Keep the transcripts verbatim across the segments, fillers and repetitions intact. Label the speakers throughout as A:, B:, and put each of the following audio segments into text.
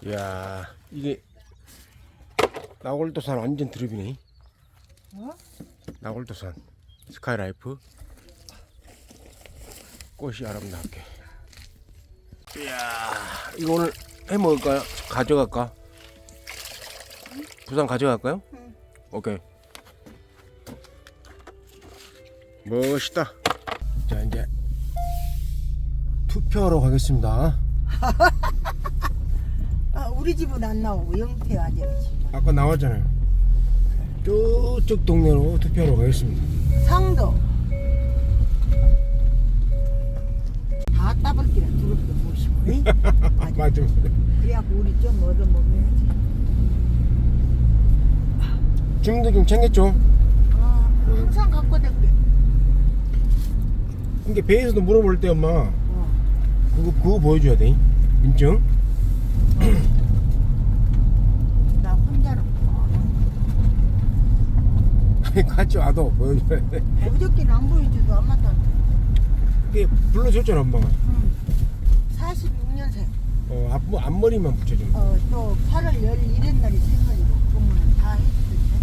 A: 이야, 이게 나골도산 완전 드립이네.
B: 어?
A: 나골도산 스카이라이프 꽃이 아름답게. 이야, 이거 오늘 해 먹을까요? 가져갈까?
B: 응?
A: 부산 가져갈까요?
B: 응.
A: 오케이. 멋있다. 자, 이제 투표하러 가겠습니다.
B: 아, 우리 집은 안 나오고 영태 아저씨.
A: 아까 나왔잖아요. 저쪽 동네로 투표하러 가겠습니다.
B: 상도. 다 따블기라 두릅도 모시고. 응? 맞아.
A: 맞아.
B: 그래갖고 우리 좀 얻어 먹어야지.
A: 짐도 좀 챙겼죠?
B: 아, 항상 갖고 댕겨.
A: 이게 배에서도 물어볼 때 엄마
B: 어.
A: 그거 그거 보여줘야 돼. 인증?
B: 나 혼자로
A: 아니 같이 와도 보여줘야 돼.
B: 어저께는 안 보여줘도 안 맞다.
A: 그게 불러줬잖아 엄마가.
B: 응. 사십육 년생.
A: 어 앞, 앞머리만 붙여주면.
B: 어, 또 팔월 열일일 날이 생일이고 그러면 다 해주던데.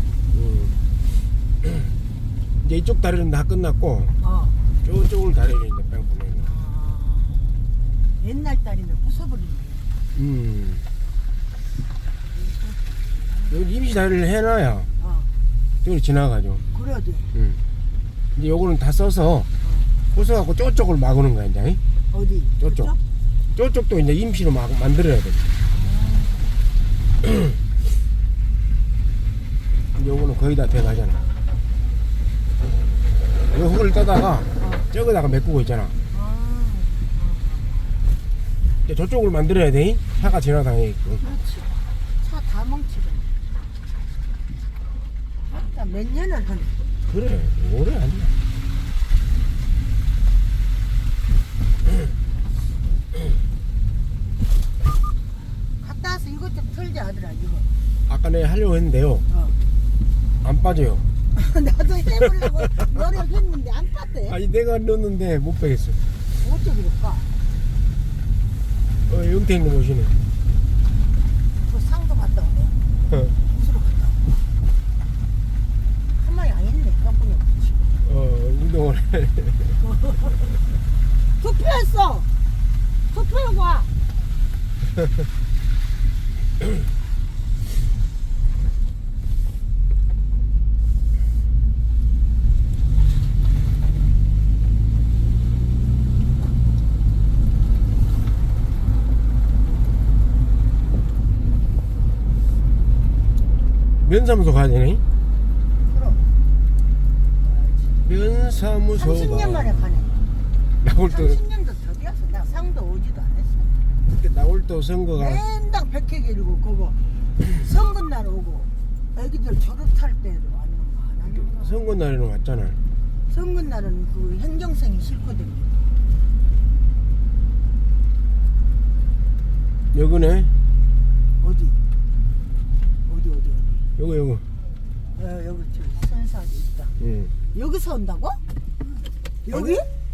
A: 음. 이제 이쪽 다리는 다 끝났고
B: 어.
A: 저쪽을 다리를 이제 뺑 보내는 거야.
B: 아, 옛날 딸이면 부숴버리네.
A: 음. 여기 임시 다리를 해놔야
B: 어,
A: 저기 지나가죠.
B: 그래야 돼.
A: 음. 이제 요거는 다 써서
B: 어.
A: 부숴갖고 저쪽을 막는 거야 이제.
B: 어디?
A: 저쪽.
B: 저쪽?
A: 저쪽도 이제 임시로 막 만들어야 돼. 이제 요거는 거의 다 돼가잖아. 요 흙을 떠다가
B: 어.
A: 저기다가 메꾸고 있잖아.
B: 아,
A: 이제 저쪽을 만들어야 돼. 차가 지나다니게끔.
B: 그렇지. 차 다 뭉치고. 맞다. 몇 년을 하네.
A: 그래, 오래 아니야.
B: 갔다 와서 이것 좀 털자 하더라, 이거.
A: 아까 내가 하려고 했는데요.
B: 어.
A: 안 빠져요.
B: 나도 해보려고 노력했는데 안 빠대.
A: 아니 내가 넣었는데 못 빼겠어.
B: 어째 그럴까?
A: 어, 영태 있는 곳이네.
B: 그 상도 갔다 오네.
A: 어,
B: 무수로 갔다 오네. 한 마리 안 했네, 깜빡이 없지.
A: 어 운동을 해.
B: 투표했어! 투표하고 와!
A: 면사무소 가야 되네.
B: 그럼.
A: 면사무소가.
B: 삼십 년 만에 가네.
A: 나올 때
B: 삼십 년도 더 되었어. 나 상도 오지도 안 했어.
A: 그때 나올 때 선거가.
B: 맨날 백회 길고 그거 선거날 오고 애기들 졸업할 때도 아니면 안 하는 거.
A: 선거 날에는 왔잖아.
B: 선거날은 그 행정생이 싫거든.
A: 여기네.
B: 어디? 어디 어디 어디?
A: 요거 요거.
B: 어, 여기 저 선사도 있다.
A: 응.
B: 여기서 온다고? 여기?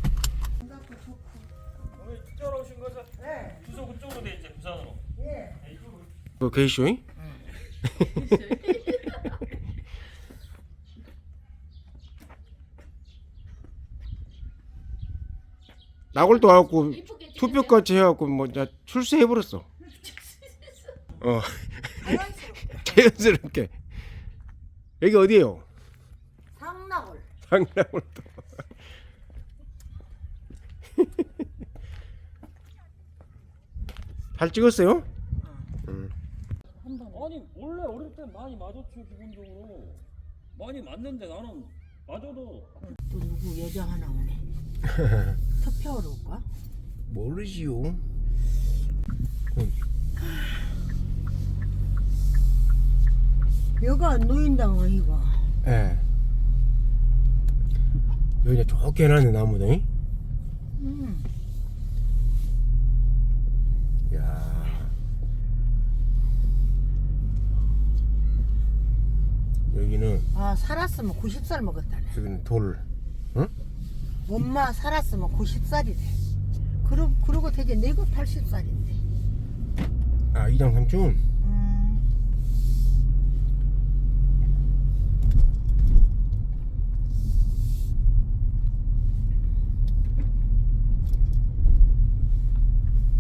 C: 오늘 이쪽으로 오신 거죠?
B: 네.
C: 주소 그쪽으로 돼 이제 부산으로.
B: 예.
A: 그 게이쇼잉? 나골도 와갖고 투표까지 해갖고 뭐 자 출세해버렸어. 어 자연스럽게. 여기 어디에요?
B: 상나골.
A: 상나골도. 잘 찍었어요? 응.
C: 아니 원래 어릴 때 많이 맞았죠 기본적으로. 많이 맞는데 나는 맞아도.
B: 또 누구 여자 하나 오네. 투표하러 올까?
A: 모르지요.
B: 여가 노인당 아이가.
A: 예. 여기 이제 좋게 해놨네 나무도.
B: 음.
A: 야. 여기는
B: 아 살았으면 구십 살 먹었다네.
A: 여기는 돌. 응?
B: 엄마 살았으면 구십 살이래. 그러, 그러고 되게 내가 팔십 살인데.
A: 아 이장 삼촌.
B: 음.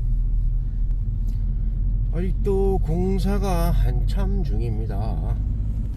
A: 아직도 공사가 한참 중입니다.